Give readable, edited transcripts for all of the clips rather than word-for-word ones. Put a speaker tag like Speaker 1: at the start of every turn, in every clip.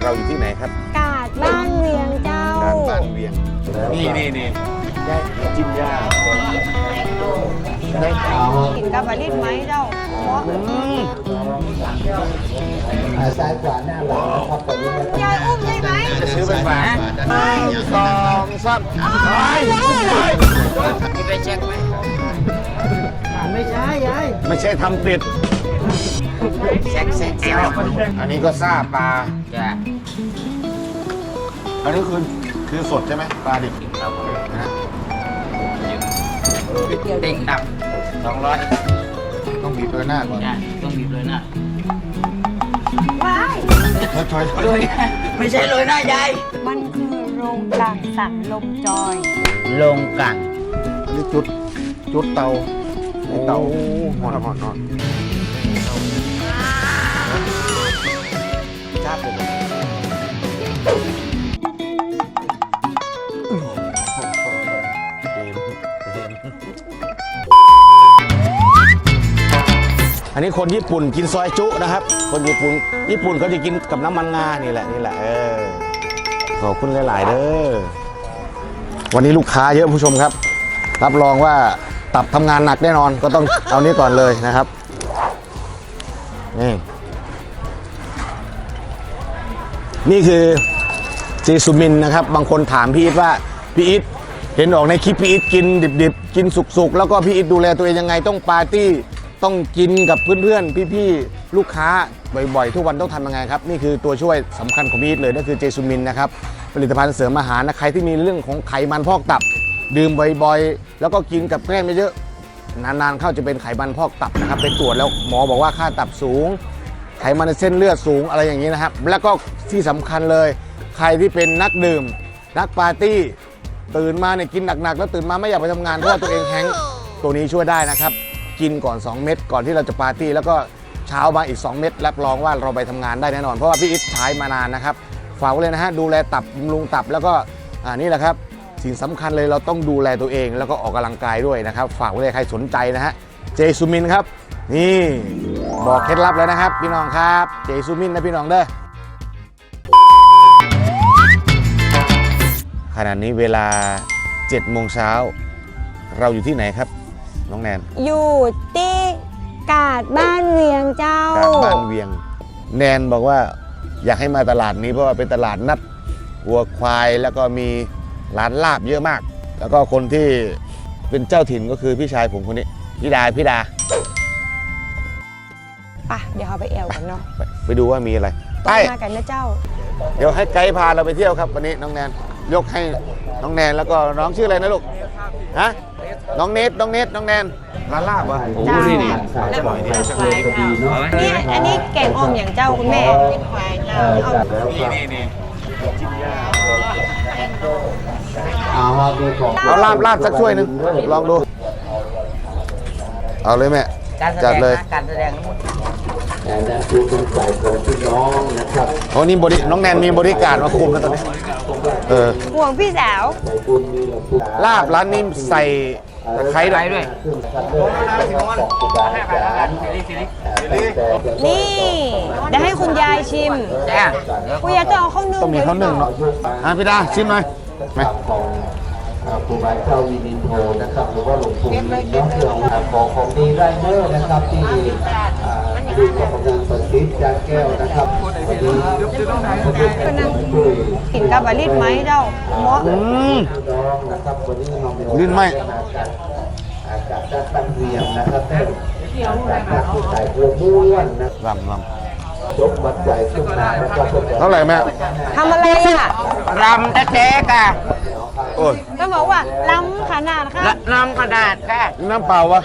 Speaker 1: เราอยู่ที่ไหนครับ
Speaker 2: กาดบ้านเวียงเจ้าก
Speaker 1: าดบ้านเวียงนี่จิ้มย่าได้ข่าว
Speaker 2: กินกับปลาลิ้นไหมเจ้า
Speaker 3: ซ้ายขวาหน้าหลังนะครับตอนนี้นะครับ
Speaker 2: ยายอุ้มได้ไหม
Speaker 1: จะซื้อไปฝาก2 3กินได้เช็คไหมไม่ใช่ยายไม่ใช่ทำติดเช็คอันนี้ก็ซาปลาอันนี้คือสดใช่ไหมปลาดิบนะเด็กดับ200ต้องบีบเลยหน้าก่อน
Speaker 4: ต้องบีบเลยนะ
Speaker 2: ว้าย
Speaker 1: ช่วย
Speaker 4: ไม่ใช่เลยนะยาย
Speaker 2: มันคือโรงกลั่นสันลมจอย
Speaker 4: ลงกัน
Speaker 1: อันนี้จุดเตาหอนจ้าบเลยอันนี้คนญี่ปุ่นกินซอยจุนะครับคนญี่ปุ่นเขาจะกินกับน้ำมันงานี่แหละขอบคุณหลายๆเด้อวันนี้ลูกค้าเยอะผู้ชมครับรับรองว่าตับทำงานหนักแน่นอนก็ต้องเอานี้ก่อนเลยนะครับนี่คือเจซูมินนะครับบางคนถามพี่อิทว่าพี่อิทเห็นออกในคลิปพี่อิทกินดิบๆกินสุกๆแล้วก็พี่อิทดูแลตัวเองยังไงต้องปาร์ตี้ต้องกินกับเพื่อนๆพี่ๆลูกค้าบ่อยๆทุกวันต้องทำยังไงครับนี่คือตัวช่วยสำคัญของพี่อิทเลยนั่นคือเจซูมินนะครับผลิตภัณฑ์เสริมอาหารนะใครที่มีเรื่องของไขมันพอกตับดื่มบ่อยๆแล้วก็กินกับแกล้มเยอะนานๆเข้าจะเป็นไขมันพอกตับนะครับไปตรวจแล้วหมอบอกว่าค่าตับสูงไขมันในเส้นเลือดสูงอะไรอย่างนี้นะครับแล้วก็ที่สำคัญเลยใครที่เป็นนักดื่มนักปาร์ตี้ตื่นมาเนี่ยกินหนักๆแล้วตื่นมาไม่อยากไปทำงานเพราะว่าตัวเองแฮงก์ตัวนี้ช่วยได้นะครับกินก่อน2เม็ดก่อนที่เราจะปาร์ตี้แล้วก็เช้ามาอีก2เม็ดรับรองว่าเราไปทำงานได้แน่นอนเพราะว่าพี่อิทใช้มานานนะครับฝากไว้เลยนะฮะดูแลตับบำรุงตับแล้วก็นี่แหละครับสิ่งสำคัญเลยเราต้องดูแลตัวเองแล้วก็ออกกำลังกายด้วยนะครับฝากไว้เลยใครสนใจนะฮะเจซูมินครับนี่บอกเคล็ดลับแล้วนะครับพี่น้องครับเจซูมินนะพี่น้องเด้อขณะนี้เวลา7 โมงเช้าเราอยู่ที่ไหนครับน้องแนน
Speaker 2: อยู่ที่กาดบ้านเวียงเจ้าก
Speaker 1: าดบ้านเวียงแนนบอกว่าอยากให้มาตลาดนี้เพราะว่าเป็นตลาดนัดวัวควายแล้วก็มีร้านลาบเยอะมากแล้วก็คนที่เป็นเจ้าถิ่นก็คือพี่ชายผมคนนี้พี่ดา
Speaker 2: ป่ะเดี๋ยวเราไปแอวกันเนาะ
Speaker 1: ไปดูว่ามีอะไรไป
Speaker 2: มากันนะเจ้า
Speaker 1: เดี๋ยวให้ไกด์พาเราไปเที่ยวครับวันนี้น้องแนนยกให้น้องแนนแล้วก็น้องชื่ออะไรนะลูกฮะน้องเนทน้องแนนร้านลาบวะโอ้นี่นี่
Speaker 2: อันนี้แกงอ่อมอย่างเจ้าคุณแม่เป็นควายเจ้า
Speaker 1: นี่
Speaker 3: เอา
Speaker 1: ลาบสักถ้วยหนึ่งลองดูเอาเลยแม่จัดเลย
Speaker 4: การแสดง
Speaker 3: และคือเป็นสายของพี่น้องนะครับ
Speaker 1: โอ้นี่น้องแนนมีบริการมาคุมแล้วตอนนี้
Speaker 2: ห่วงพี่สาว
Speaker 1: ลาบร้านนี้ใส่ตะไคร้ด้วย
Speaker 2: นี่เดี๋ยวให้คุณยายชิมคุณยายจะเอาข้าวนึ่ง
Speaker 1: ต้องมีข้าวนึ่งเนาะพี่ดาชิมหน่อยไหม
Speaker 3: ครูบาเจ้าวินินโทนะครับหรือว่าหลวงปู่วินเนาะของดีไรเดอร์นะครับที่ดูของงานประสิทธิ์จานแก้วนะครับวันนี้
Speaker 2: กินกับปลาลิ้นไหมเจ้าหมอ
Speaker 3: นะครับวันนี้น้อง
Speaker 1: ลิ้นไหม
Speaker 3: จากตั้งเรียมนะครับจากผู้ชายตัวม้วนนะ
Speaker 1: ลำ
Speaker 3: ยกบัตรใหญ่ขึ้นมานะครับ
Speaker 1: เท่าไหร่แม่
Speaker 2: ทำอะไรอ่ะ
Speaker 4: รำแท้ๆค่ะ
Speaker 1: โอ้ย
Speaker 2: ก็บอกว่าล้ำขนาดค่ะ
Speaker 4: ล้ำขนาดค่ะ
Speaker 1: น้ำเปล่าวะ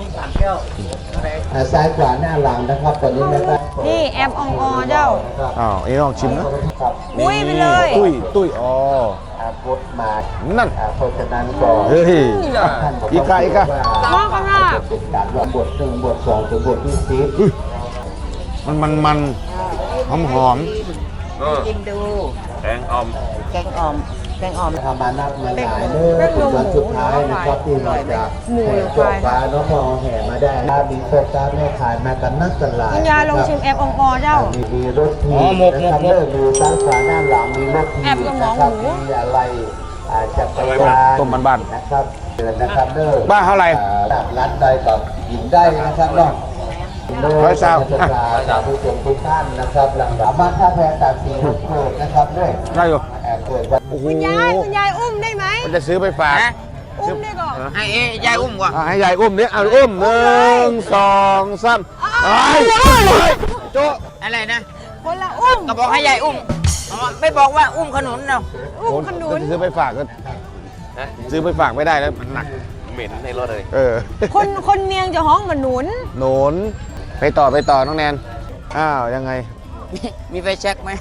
Speaker 3: ซ้ายขวาหน้าหลังนะครับตอนนี้นะครับ
Speaker 2: นี่แอมองอเจ้า
Speaker 1: อันนี้ลองชิมนะ
Speaker 2: อุ้ยไปเลย
Speaker 1: ตุ้ย
Speaker 3: กดมา
Speaker 1: นั่น
Speaker 3: เพราะฉะนั้นก็
Speaker 1: เฮ้ยอีกา
Speaker 2: มองกันนะ
Speaker 3: เป็นการว่าบท1บท2ถึงบทที่10
Speaker 1: มันหอม
Speaker 4: กินดูแกงอ่อม
Speaker 2: แกงอ่อม
Speaker 3: ทำมานับมาหลายเรื่องเป็นวันสุดท้ายนะครับที่เราจะแห่จบฟ้าน้องพอแห่มาได้มีโคตรแม่ขายมากันนักกันหลาย
Speaker 2: คุณยายลองชิมแอบองกอเจ้า
Speaker 3: มีรถทีนะครับมีซ้ายขวาหน้าหลังมีรถทีนะครับมีอะไรจักรยาน
Speaker 1: ต้มบ้าน
Speaker 3: นะครับเดินนะครับเด้อ
Speaker 1: บ้านเท่าไหร่
Speaker 3: ร้านใดแบบหญิงได้นะครับเนาะ
Speaker 1: ร้อยสาม
Speaker 3: ผู้ชมทุกท่านนะครับหลังบ้านท่าแพตัดสีโคตรนะครับด้วย
Speaker 1: ได้อยู่
Speaker 3: เกิดวัน
Speaker 1: โอ้โห
Speaker 2: คุณยายอุ้มได้ไหม
Speaker 1: มันจะซื้อไปฝาก
Speaker 2: อุ้มได้ก่อน
Speaker 4: ให้ยายอุ้มก่อน
Speaker 1: ให้ยายอุ้มดิเอาอุ้ม1 2 3ไอ้โจ
Speaker 4: อะไรนะ
Speaker 2: คนละอุ้ม
Speaker 4: ก็บอกให้ยายอุ้มไม่บอกว่าอุ้มขนุนเนาะ
Speaker 2: อุ้มขนุน
Speaker 1: จะซื้อไปฝากก็ซื้อไปฝากไม่ได้แล้วมันหนักเหม็นในรถเลย
Speaker 2: คนเมียงจะห้องเหมือนหนุน
Speaker 1: หนุนไปต่อน้องแนนอ้าวยังไง
Speaker 4: มีไฟแช็กไหม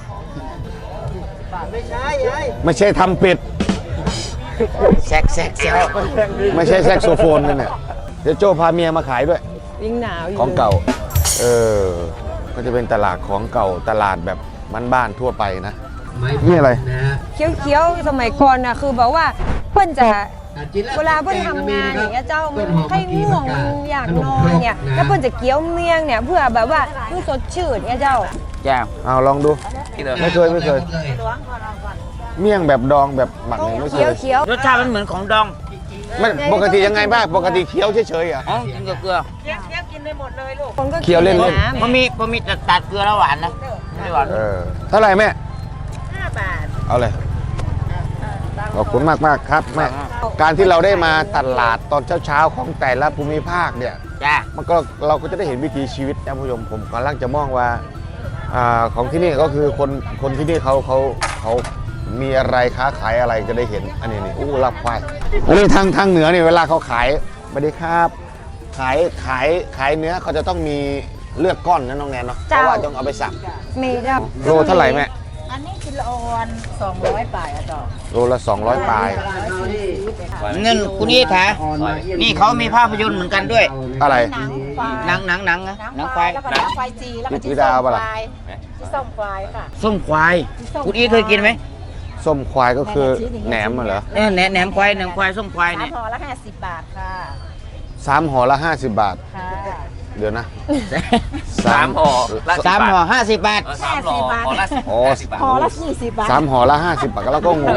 Speaker 1: ไม่ใช่ทำเป็ด
Speaker 4: แช็ก
Speaker 1: ไม่ใช่แซกโซโฟนนั่นเนี่ยเดี๋ยวโจพาเมียมาขายด้วย
Speaker 2: ยิ่งหนาวอยู่
Speaker 1: ของเก่าก็จะเป็นตลาดของเก่าตลาดแบบบ้านๆทั่วไปนะนี่อะไร
Speaker 2: เคี้ยวๆสมัยก่อนน่ะคือแบบว่าเพื่อนจะเวลาเพื่อนทำงานอย่างเงี้ยเจ้ามันให้ง่วงมันอยากนอนเนี่ยแล้วเพื่อนจะเคี้ยวเมียงเนี่ยเพื่อแบบว่ามันสดชื่นเนี่ยเจ้า
Speaker 4: จ้า
Speaker 1: เอาลองดูไม่เคยเมี่ยงแบบดองแบบหมัก
Speaker 2: ต้อง
Speaker 1: เนี่ยไม่เค
Speaker 2: เคี้ยวย
Speaker 4: รสชาติมันเหมือนของดอง
Speaker 1: ไม่ปกติยังไงบ้างปกติเคี้ยวเฉยๆอ่ะ
Speaker 4: อ๋อกินกับเกลือ
Speaker 2: คนก็
Speaker 1: เคี้ยวเล่น
Speaker 2: น้ำ
Speaker 4: พอมีตัดเกลือแล้วหวานนะไม่หวาน
Speaker 1: เท่าไหร่แม่5 บาทเอาเลยขอบคุณมากครับแม่การที่เราได้มาตลาดตอนเช้าๆของแต่ละภูมิภาคเนี่ย
Speaker 4: จ้า
Speaker 1: มันก็เราก็จะได้เห็นวิถีชีวิตนะผู้ชมผมกำลังจะมองว่าของที่นี่ก็คือคนที่นี่เขามีอะไรค้าขายอะไรจะได้เห็นอันนี้นี่อู้รับควายอันนี้ทางเหนือนี่เวลาเขาขายสวัสดีครับขายเนื้อเขาจะต้องมีเลือกก้อนนะน้องแนนเนาะเพราะว่าต้องเอาไปสับ
Speaker 2: มีเจ้า
Speaker 1: โลเท่าไหร่แม่
Speaker 5: อันนี้กิโลวัน200ป่ายอะต่อ
Speaker 1: โลละ200 ปลาย
Speaker 4: เงินคุณนี่ถานี่เขามีภาพยนตร์เหมือนกันด้วย
Speaker 1: อะไร
Speaker 5: หนังควาย
Speaker 4: หนังควาย
Speaker 5: แล้วก็หนังควายจีแล้วก็
Speaker 1: วิดาเอาปะล่ะ
Speaker 5: ที่ส้มควายค่ะ
Speaker 4: ส้มควายคุณอีเคยกินไหม
Speaker 1: ส้มควายก็คือแหนมเหรอ
Speaker 4: แหนมควายส้มควาย
Speaker 5: สา
Speaker 4: เนี่
Speaker 5: ม
Speaker 4: ย
Speaker 5: ห่อละ50 บาทค่ะ
Speaker 1: 3 ห่อละ 50 บาท
Speaker 5: ค่ะ
Speaker 1: เดี๋ยวนะ
Speaker 6: 3 ห่อละ
Speaker 4: 3 ห่อ50 บาท
Speaker 6: 3 ห่อห่อละ
Speaker 1: อ๋อ
Speaker 5: ห่อละ20 บาท
Speaker 1: 3 ห่อละ 50 บาทแล้วก็งง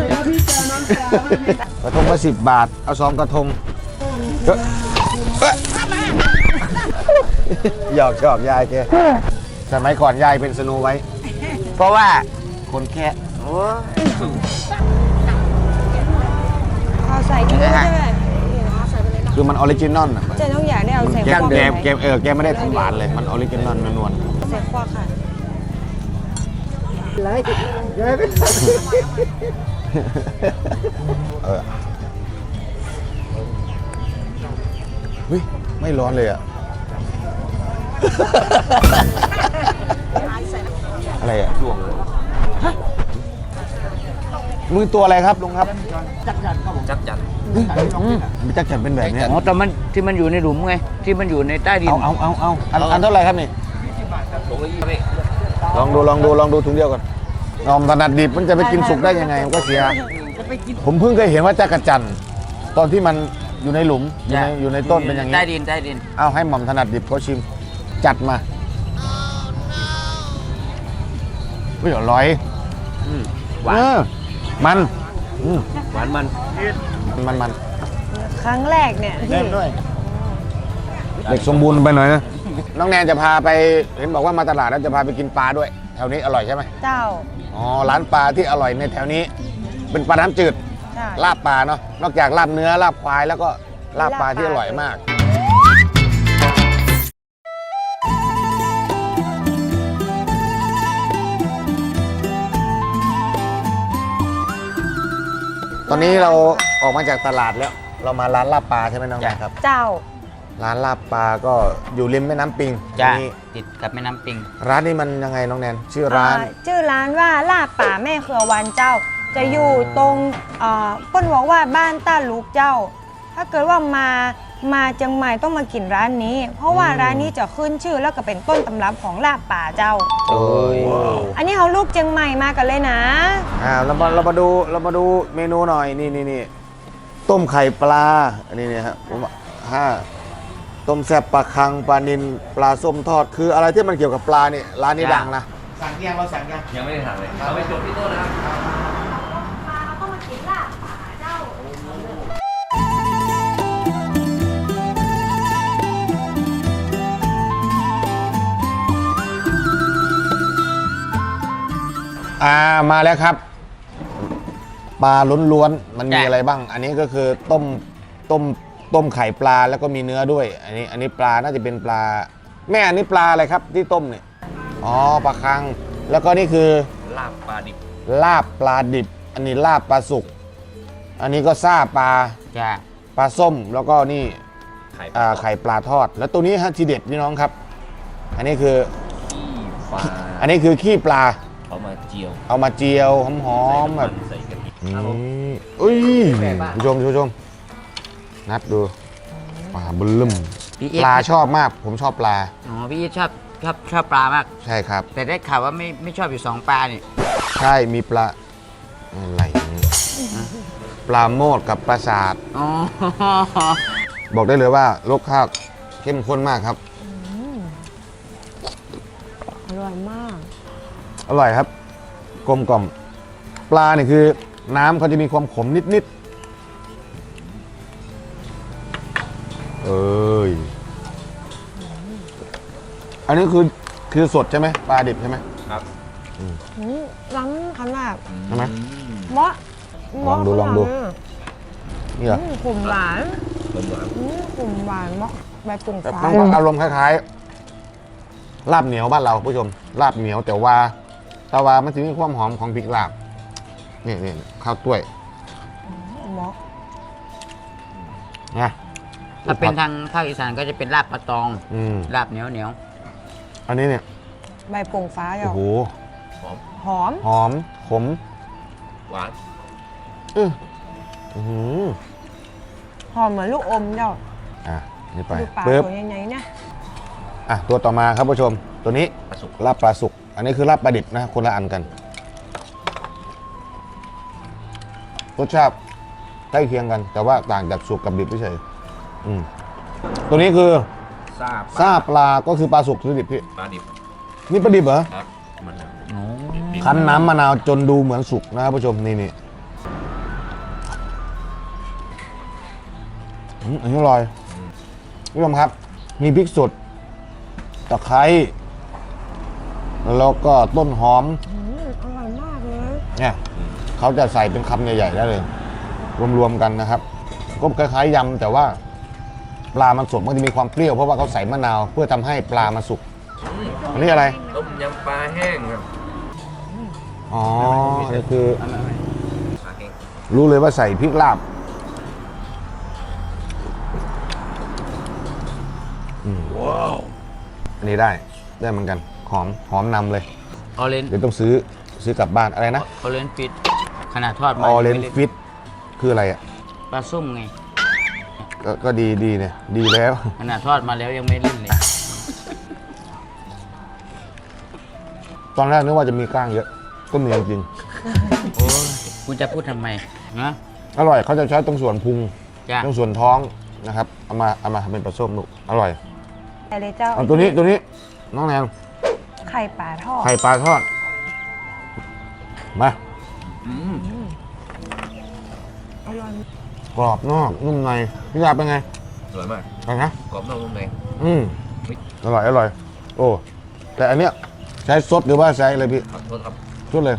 Speaker 1: กระทงละ10 บาท เอา2 กระทงหยอกชอบยายแกสมัยก่อนยายเป็นสโนไว้
Speaker 4: เพราะว่า
Speaker 1: คนแค่
Speaker 2: เอาใส่กินด้วยใช่ไหม
Speaker 1: คือมันออริจินอลอ่ะ
Speaker 2: เจ๊ต้องอยากได้เอาใส่
Speaker 1: แก
Speaker 2: ควอก
Speaker 1: แก
Speaker 2: ไหม
Speaker 1: แกไม่ได้ทำหวานเลย มันออริจินอลนวล
Speaker 2: ใส่ควอกค่ะ
Speaker 1: เฮ้ยไม่ร้อนเลยอ่ะ อะไรอ่ะช่วงมือตัวอะไรครับลุงครับ
Speaker 6: จักจัด
Speaker 1: มันจักจัดเป็นแบบเนี้ย
Speaker 4: อ๋อแต่มันที่มันอยู่ในหลุมไงที่มันอยู่ในใต้ดิน
Speaker 1: เอาอันเท่าไหร่ครับนี่
Speaker 6: ถุงละ20นี่
Speaker 1: ลองดูถุงเดียวก่อนนอมถนัดดิบมันจะไปกินสุกได้ยังไงมันก็เสีย ผมเพิ่งเคยเห็นว่าจักรจันทร์ตอนที่มันอยู่ในหลุมอยู่ในต้นเป็นอย่างนี้
Speaker 4: ใต้ดิน
Speaker 1: เอาให้หม่อมถนัดดิบเขาชิม จัดมาไม่อร่อย
Speaker 6: หวาน
Speaker 1: มัน
Speaker 6: หวานมัน
Speaker 1: มัน
Speaker 2: ครั้งแรกเนี่ยที่
Speaker 1: เด็กสมบูรณ์ไปหน่อยนะ น้องแนนจะพาไปเห็นบอกว่ามาตลาดแล้วจะพาไปกินปลาด้วย แถวนี้อร่อยใช่ไหม
Speaker 2: เจ้า
Speaker 1: อ๋อร้านปลาที่อร่อยในแถวนี้ เป็นปลาน้ำจืด
Speaker 2: ใช่
Speaker 1: ลาบปลาเนาะนอกจากลาบเนื้อลาบควายแล้วก็ลาบปลาที่อร่อยมาก ตอนนี้เราออกมาจากตลาดแล้ว เรามาร้านลาบปลาใช่ไหมน้องแนนครับ
Speaker 2: เจ้า
Speaker 1: ร้านลาบปลาก็อยู่ริมแม่น้ำปิง
Speaker 4: จ้า
Speaker 1: นี่
Speaker 4: ติดกับแม่น้ำปิง
Speaker 1: ร้านนี้มันยังไงน้องแนนชื่อร้าน
Speaker 2: ชื่อร้านว่าลาบป่าแม่เครือวันเจ้า จะอยู่ตรงเปิ้นบอกว่าบ้านต้าลูกเจ้าถ้าเกิดว่ามาเชียงใหม่ต้องมากินร้านนี้ เพราะว่าร้านนี้จะขึ้นชื่อแล้วก็เป็นต้นตำรับของลาบป่าเจ้า
Speaker 1: โอ้ย
Speaker 2: อันนี้เขาลูกเชียงใหม่มากันเลยนะ
Speaker 1: เรามาดูเมนูหน่อยนี่ต้มไข่ปลาอันนี้เนี่ยครับผมว่าต้มแซ่บปลาคังปลานิลปลาส้มทอดคืออะไรที่มันเกี่ยวกับปลาเนี่ยร้านนี้ดังนะสั่งยังเราสั่งยัง
Speaker 6: ยังไม่ได้สั่งเลยเราไปจบที่โต๊ะนะครับ
Speaker 2: ต้องมากินลาบป่าเจ้า
Speaker 1: มาแล้วครับปลาล้วนๆมันมีอะไรบ้าง อันนี้ก็คือต้มไข่ปลาแล้วก็มีเนื้อด้วย อันนี้ปลาน่าจะเป็นปลาแม่อันนี้ปลาอะไรครับที่ต้มเนี่ยอ๋อปลาคังแล้วก็นี่คือ
Speaker 6: ลาบปลาดิบ
Speaker 1: ลาบปลาดิบ อันนี้ลาบปลาสุกอันนี้ก็ซ่าปลา
Speaker 4: จ้ะ
Speaker 1: ปลาส้มแล้วก็นี่
Speaker 6: ไข่
Speaker 1: ไข่ปลาทอด แล้วตัวนี้ฮะทีเด็ดพี่น้องครับ อันนี้คือ
Speaker 6: ขี้ปลา
Speaker 1: อันนี้คือขี้ปลา
Speaker 6: เอามาเจียว
Speaker 1: เอามาเจียวหอมๆแบบ
Speaker 6: ใส่กะทิ
Speaker 1: นี่อุ้ยผู้ชมนัดดูปลาบึ้ม
Speaker 4: พี่เอ
Speaker 1: ปลาชอบมากผมชอบปลา
Speaker 4: อ๋อพี่ชอบปลามาก
Speaker 1: ใช่ครับ
Speaker 4: แต่ได้ข่าวว่าไม่ชอบอยู่2ปลานี่
Speaker 1: ใช่มีปลาอะไรนี่ปลาโมดกับปลาสาด
Speaker 4: อ๋อ
Speaker 1: บอกได้เลยว่ารสชาติเข้มข้นมากครับ
Speaker 2: อร่อยมาก
Speaker 1: อร่อยครับกลมกล่อมปลาเนี่ยคือน้ำเขาจะมีความขมนิดๆอันนี้คือสดใช่ไหมปลาดิบใช่ไหม
Speaker 6: ครับ
Speaker 2: ล้ำขนาด
Speaker 1: ใช่ไหม
Speaker 2: เมาะ
Speaker 1: ลองดูนี่เหรอ
Speaker 2: ขุ่มหวาน
Speaker 6: เหมือน
Speaker 2: ขุ่มหวานเมาะใบปุ่ง
Speaker 1: แต่
Speaker 2: ฟ้า
Speaker 1: มันอารมณ์คล้ายๆลาบเหนียวบ้านเราผู้ชมลาบเหนียวแต่ว่ามันจะมีความหอมของพริกลาบนี่ข้าวต้วย
Speaker 2: เมาะ
Speaker 1: นะ
Speaker 4: ถ้าเป็นทางภาคอีสานก็จะเป็นลาบปลาตอง
Speaker 1: อืม
Speaker 4: ลาบเหนียว
Speaker 1: อันนี้เนี่ย
Speaker 2: ใบปุ่งฟ้า
Speaker 1: โอ้
Speaker 2: เจ้า
Speaker 1: โห
Speaker 2: หอม
Speaker 1: หอมขม
Speaker 6: หวาน
Speaker 1: อื้อหือ
Speaker 2: หอมเหมือนลูกอมเจ้า
Speaker 1: อ่ะนี่ไป
Speaker 2: ดูปลา
Speaker 1: ปึ๊บ
Speaker 2: ตัวใหญ่ๆเนี่ย
Speaker 1: อ่ะตัวต่อมาครับผู้ชม ตัวนี้
Speaker 6: ปลาสุก
Speaker 1: ลาบปลาสุก อันนี้คือลาบปลาดิบนะคนละอันกันรสชาติใกล้เคียงกัน แต่ว่าต่างจากสุกกับดิบเฉยๆตัวนี้คือ
Speaker 6: ซาบ
Speaker 1: ซาปลาก็คือปลาสุกหรือดิบพี่
Speaker 6: ปลาดิบ
Speaker 1: นี่ปลาดิบเหรอ
Speaker 6: ครับมัน
Speaker 4: ๆโอ้
Speaker 1: คั้นน้ำมะนาวจนดูเหมือนสุกนะครับผู้ชมนี่อันนี้อร่อยผู้ชมครับ มีพริกสดตะไคร้แล้วก็ต้นหอม
Speaker 2: อร่อยมากเลย
Speaker 1: เนี่ยเขาจะใส่เป็นคำใหญ่ๆได้เลย รวมๆกันนะครับ ก็คล้ายๆยำแต่ว่าปลามันสดมันจะมีความเปรี้ยวเพราะว่าเขาใส่มะนาวเพื่อทำให้ปลามันสุกอันนี้อะไร
Speaker 6: ต้มยำปลาแห้งครับ
Speaker 1: อ๋อนี่คือ
Speaker 6: ปลาแห้ง
Speaker 1: รู้เลยว่าใส่พริกลาบว้าวอันนี้ได้เหมือนกันหอมนำเลย
Speaker 4: ออเรน
Speaker 1: เดี๋ยวต้องซื้อกลับบ้านอะไรนะ
Speaker 4: ออเรนฟิตขนาดทอด
Speaker 1: อ
Speaker 4: มา
Speaker 1: อเรนฟิตคืออะไรอ่ะ
Speaker 4: ปลาส้มไง
Speaker 1: ก็ดีเนี่ยดีแล้ว
Speaker 4: ขนาดทอดมาแล้วยังไม่เล่นเลย
Speaker 1: ตอนแรกนึกว่าจะมีกล้างเยอะก็มีจริง
Speaker 4: โอ้ยคุณจะพูดทำไมนะ
Speaker 1: ๆอร่อยเขาจะใช้ตรงส่วนพุง
Speaker 4: จ้ะ
Speaker 1: ตรงส่วนท้องนะครับเอามาทำเป็นปลาส้มลูกอร่อย
Speaker 2: แต่เลยเจ้า
Speaker 1: เอาตัวนี้น้องแนง
Speaker 2: ไข่ปลาทอด
Speaker 1: ไข่ปลาทอดมา
Speaker 2: อร่อย
Speaker 1: กรอบนอกนุ่มในพี่ยาเป็นไง
Speaker 6: อร่อยมาก
Speaker 1: ไปนะ
Speaker 6: กรอบนอกนุ่มใน
Speaker 1: อร่อยโอ้แต่อันเนี้ยใช้ซดหรือว่าใช้อะไรพี่
Speaker 6: ขอโทษครับ
Speaker 1: ชุดเลย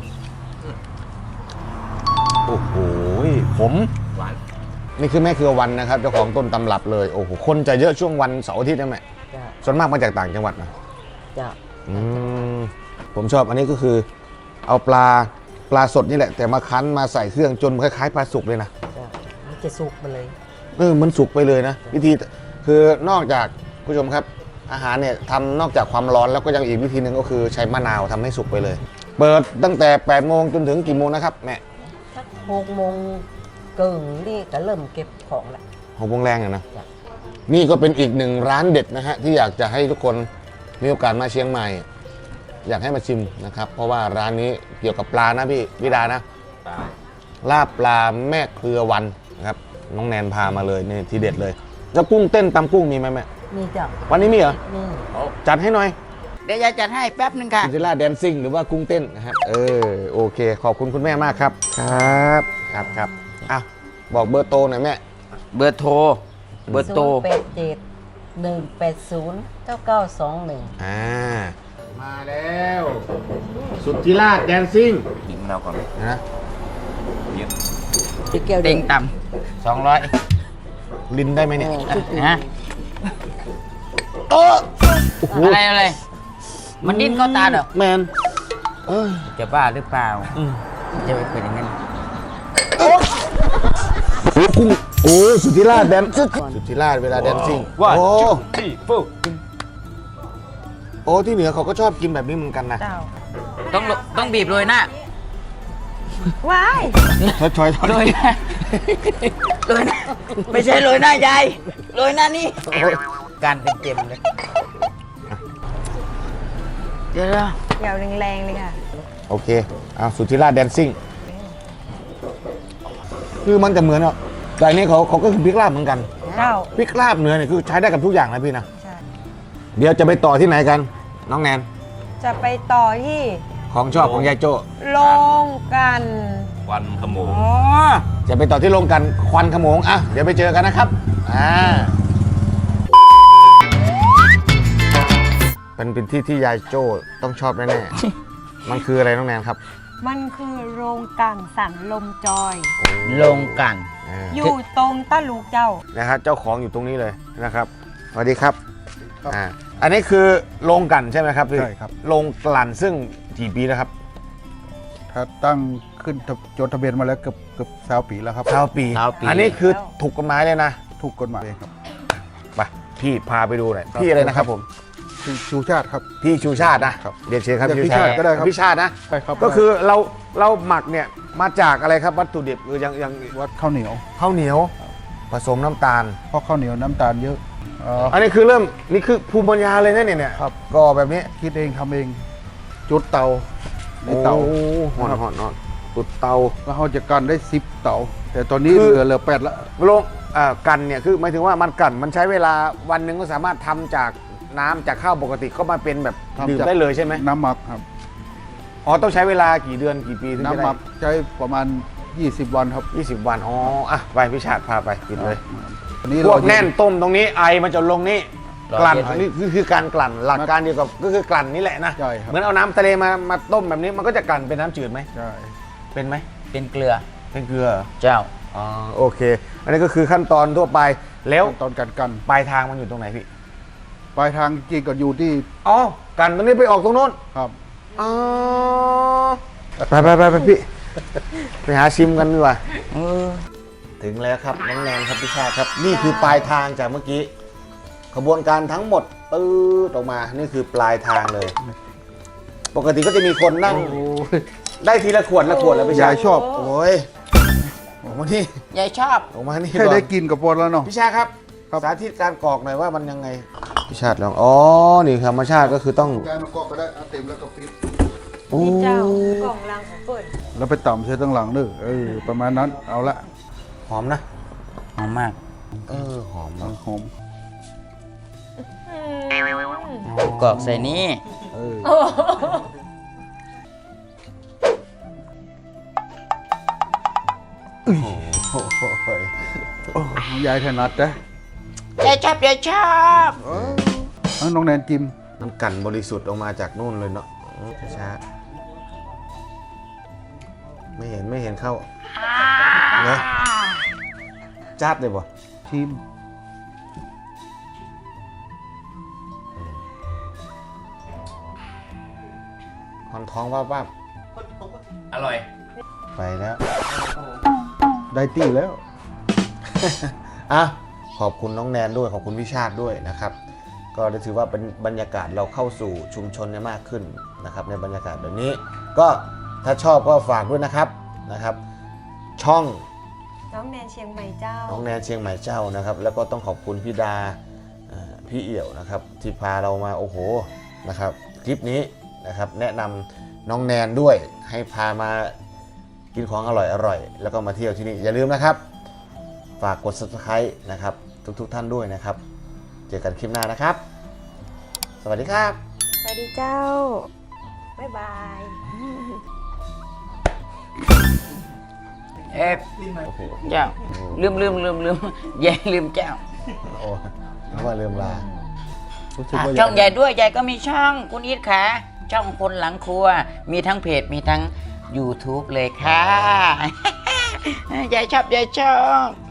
Speaker 1: โอ้โหผม
Speaker 6: หวาน
Speaker 1: นี่คือแม่เครือวันนะครับเจ้าของต้นตำรับเลยโอ้โหคนจะเยอะช่วงวันเสาร์อาทิตย์นะแม่ส่วนมากมาจากต่างจังหวัดนะ
Speaker 5: จ้ะ
Speaker 1: ผมชอบอันนี้ก็คือเอาปลาสดนี่แหละ แต่มาคั้นมาใส่เครื่องจนคล้ายๆปลาสุกเลยนะ
Speaker 5: จ้ะมันจะสุกมาเลย
Speaker 1: มันสุกไปเลยนะวิธีคือนอกจากผู้ชมครับอาหารเนี่ยทำนอกจากความร้อนแล้วก็ยังอีกวิธีหนึ่งก็คือใช้มะนาวทำให้สุกไปเลย เปิดตั้งแต่8 โมงจนถึงกี่โมงนะครับแม่
Speaker 5: สัก6 โมงเกิงนี่ก็เริ่มเก็บของละ
Speaker 1: 6 โมงแรงอะนะนี่ก็เป็นอีกหนึ่งร้านเด็ดนะฮะที่อยากจะให้ทุกคนมีโอกาสมาเชียงใหม่ อยากให้มาชิมนะครับเพราะว่าร้านนี้เกี่ยวกับปลานะพี่วิดานะลาบปลาแม่เครือวันนะครับน้องแนนพามาเลยนี่ทีเด็ดเลยแล้วกุ้งเต้นตำกุ้งมีไหมแม่
Speaker 5: มีเจ้า
Speaker 1: วันนี้มีเหรอ
Speaker 5: มี
Speaker 1: จัดให้หน่อย
Speaker 4: เดี๋ยวยายจัดให้แป๊บหนึ่งค่ะ
Speaker 1: ซินเดอเรลล่าแดนซิ่งหรือว่ากุ้งเต้นนะครับโอเคขอบคุณคุณแม่มากครับครับอ่ะบอกเบอร์โตหน่อยแม่
Speaker 4: เบอร์โทร เบอร์โทร
Speaker 5: 087-180-9921
Speaker 1: มาแล้วสุทธิราชแดนซิ่ง
Speaker 6: กินเราก่อน
Speaker 1: นะ
Speaker 5: พี่แก้ว
Speaker 4: เต็งต่
Speaker 1: ลินได้ไหมเนี่ย
Speaker 4: ำฮะ
Speaker 1: โอ้โห
Speaker 4: อะไร มันดิ้นเข้าตาเหรอ
Speaker 1: แมนเอ้ย
Speaker 4: จะบ้าหรือเปล่า จะไปเป็นอย่างนั้น
Speaker 1: โอ้กุ้งโอ้สุทธิราชแดนสุทธิราชเวลาแดนซิ่งโอ้โอ้ที่เหนือเขาก็ชอบกินแบบนี้เหมือนกันนะ
Speaker 2: เจ้า
Speaker 4: ต้องบีบโรยหน้า
Speaker 2: ว้าย
Speaker 1: ชอย
Speaker 4: โรยหน้าโรยหน้าไม่ใช่โรยหน้ายายโรยหน้านี่การเป็นเต็มเลยเดี๋ยว
Speaker 2: อย่าแรงๆเลยค่ะ
Speaker 1: โอเคเอาสุทธิราชแดนซิ่งคือมันจะเหมือนอ่ะแต่อันนี้เขาก็คือพริกลาบเหมือนกัน
Speaker 2: เจ้า
Speaker 1: พริกลาบเนื้อเนี่ยคือใช้ได้กับทุกอย่างนะพี่นะ
Speaker 2: ใช่
Speaker 1: เดี๋ยวจะไปต่อที่ไหนกัน น้องแนน
Speaker 2: จะไปต่อที่
Speaker 1: ของชอบของยายโจ้
Speaker 2: โลงกัน
Speaker 6: วันขโมง
Speaker 4: อ๋อ
Speaker 1: จะไปต่อที่โรงกันควันขโมงอ่ะเดี๋ยวไปเจอกันนะครับเป็นที่ที่ยายโจ้ต้องชอบแน่ๆ มันคืออะไรน้องแนนครับ
Speaker 2: มันคือโรงกันสันลมจอย
Speaker 4: ลงกัน
Speaker 2: อยู่ตรงตะลูกเจ้า
Speaker 1: นะครับเจ้าของอยู่ตรงนี้เลยนะครับสวัสดีครับอันนี้คือโรงกลั่นใช่ไหมครับพี่
Speaker 7: ใช่ครับ
Speaker 1: โรงกลั่นซึ่งกี่ปีแล้วครับ
Speaker 7: ถ้าตั้งขึ้นจดทะเบียนมาแล้วเกือบ20 ปีแล้วครับ
Speaker 1: 9 ปี อันนี้คือถูกกฎหมายเลยนะ
Speaker 7: ถูกกฎหมายครับ
Speaker 1: ไปพี่พาไปดูหน่อยพี่อะไรนะครับผม
Speaker 7: ชื่อชูชาติครับ
Speaker 1: พี่ชูชาตินะครับ เรียนเชิญครับ
Speaker 7: เรียกพี่ชาติก็ได้ครับ
Speaker 1: พี่ชาตินะ
Speaker 7: ใช่ครับ
Speaker 1: ก็คือเราหมักเนี่ยมาจากอะไรครับวัตถุดิบคืออย่าง
Speaker 7: วัดข้าวเหนียว
Speaker 1: ข้าวเหนียวผสมน้ำตาล
Speaker 7: เพราะข้าวเหนียวน้ำตาลเยอะ
Speaker 1: อันนี้คือนี่คือภูมิปัญญาเลยนะเนี่ย
Speaker 7: ครับ
Speaker 1: ก็แบบนี้
Speaker 7: คิดเองทำเอง จุดเตาในเตา
Speaker 1: โอ้หอน
Speaker 7: ครับ
Speaker 1: หอนหอนตุดเตา
Speaker 7: แล้วเขาจะกันได้10 เตา แต่ตอนนี้
Speaker 1: คือ
Speaker 7: เหลือ8ละ
Speaker 1: โรงกันเนี่ยคือหมายถึงว่ามันกันมันใช้เวลาวันหนึ่งก็สามารถทำจากน้ำจากข้าวปกติก็มาเป็นแบบดื่มได้เลยใช่ไหม
Speaker 7: น้ำหมักครับ
Speaker 1: อ๋อต้องใช้เวลากี่เดือนกี่ปีถึงจะ
Speaker 7: น้ำห
Speaker 1: ได้
Speaker 7: มักใช้ประมาณ 20 วันครับ
Speaker 1: 20 วันอ๋ออ่ะไปพี่ชาติพาไปกินเลย
Speaker 7: อันนี้
Speaker 1: พวก
Speaker 7: เรา
Speaker 1: แน่นต้มตรงนี้ไอมันจะลงนี่กลั่นนี่คือการกลั่นหลักการเดียวกับก็คือกลั่นนี่แหละนะ
Speaker 7: ใช่ครับ
Speaker 1: เหมือนเอาน้ำทะเลมาต้มแบบนี้มันก็จะกลั่นเป็นน้ำจืดไหม
Speaker 7: ใช่
Speaker 1: เป็นไหม
Speaker 4: เป็นเกลือ
Speaker 1: เป็นเกลือเหรอ
Speaker 4: เจ้า
Speaker 1: อ๋อโอเค อันนี้ก็คือขั้นตอนทั่วไปแล้ว
Speaker 7: ตอนกัน
Speaker 1: ปลายทางมันอยู่ตรงไหนพี่
Speaker 7: ปลายทางจริงก็อยู่ที่
Speaker 1: อ๋อกันตรงนี้ไปออกตรงโน้น
Speaker 7: ครับ
Speaker 1: อ๋อไปพี่ไปหาชิมกันดีกว่าถึงแล้วครับน้องแนนครับพี่ชาติครับ นี่คือปลายทางจากเมื่อกี้ขบวนการทั้งหมดปื๊ดออกมานี่คือปลายทางเลย ปกติก็จะมีคนนั่งได้ทีละขวดแล้วพี่ชาย
Speaker 7: ายชอบ
Speaker 1: โอ้ยออกมานี่
Speaker 4: ยายชอบ
Speaker 1: ออกมานี่
Speaker 7: แค่
Speaker 1: ก่อน
Speaker 7: ได้กินกับปนแล้วเนาะ
Speaker 1: พี่ชาครับ
Speaker 7: ครับ
Speaker 1: สาธิตการกรอกหน่อยว่ามันยังไงพี่ชาติลองอ๋อนี่ธรรมชาติก็คือต้อง
Speaker 7: ยายมันก็ได้เอาเต็มแล้วก็ปิด
Speaker 2: นี่เจ้ากล่องลังของเปิด
Speaker 7: แล้วไปต่ำใช้ตั้งหลังเด้อประมาณนั้นเอาละ
Speaker 1: หอมนะ
Speaker 4: หอมมาก
Speaker 1: หอมมาก
Speaker 7: หอม
Speaker 4: กรอกใส่นี้
Speaker 7: ยายถนัดนะ
Speaker 4: ยายชอบ
Speaker 7: น้องแนนจิม
Speaker 1: น้ำกันบริสุทธิ์ออกมาจากนู่นเลยเนาะช้าๆไม่เห็นเข้าเนอะจัดเลยบ่
Speaker 7: ชิม
Speaker 1: คอนท้องว่า
Speaker 6: อร่อย
Speaker 1: ไปแล้ว
Speaker 7: ได้ตี้แล้ว
Speaker 1: อ่ะขอบคุณน้องแนนด้วยขอบคุณพี่ชาติด้วยนะครับ ก็ได้ถือว่าเป็นบรรยากาศเราเข้าสู่ชุมชนเนี่ยมากขึ้นนะครับในบรรยากาศแบบนี้ ก็ถ้าชอบก็ฝากด้วยนะครับ ช่อง
Speaker 2: น้องแนนเชียงใหม่เจ้า
Speaker 1: น้องแนนเชียงใหม่เจ้านะครับ แล้วก็ต้องขอบคุณพี่ดาพี่เอี่ยวนะครับที่พาเรามาโอ้โหนะครับคลิปนี้นะครับแนะนำน้องแนนด้วยให้พามากินของอร่อยๆแล้วก็มาเที่ยวที่นี่อย่าลืมนะครับฝากกด subscribe นะครับทุกท่านด้วยนะครับเจอกันคลิปหน้านะครับ สวัสดีครับ
Speaker 2: สวัสดีเจ้า บ๊ายบาย
Speaker 4: เอ๊ะเจ้าลืมยายลืมเจ้า
Speaker 1: โอ้นึกว่าลืมลารู้สึก
Speaker 4: อ่ะ
Speaker 1: ว่า
Speaker 4: ช่องใหญ่ด้วยยายก็มีช่องคุณอีทค่ะช่องคนหลังครัว มีทั้งเพจมีทั้ง YouTube เลยค่ะ ยายชอบ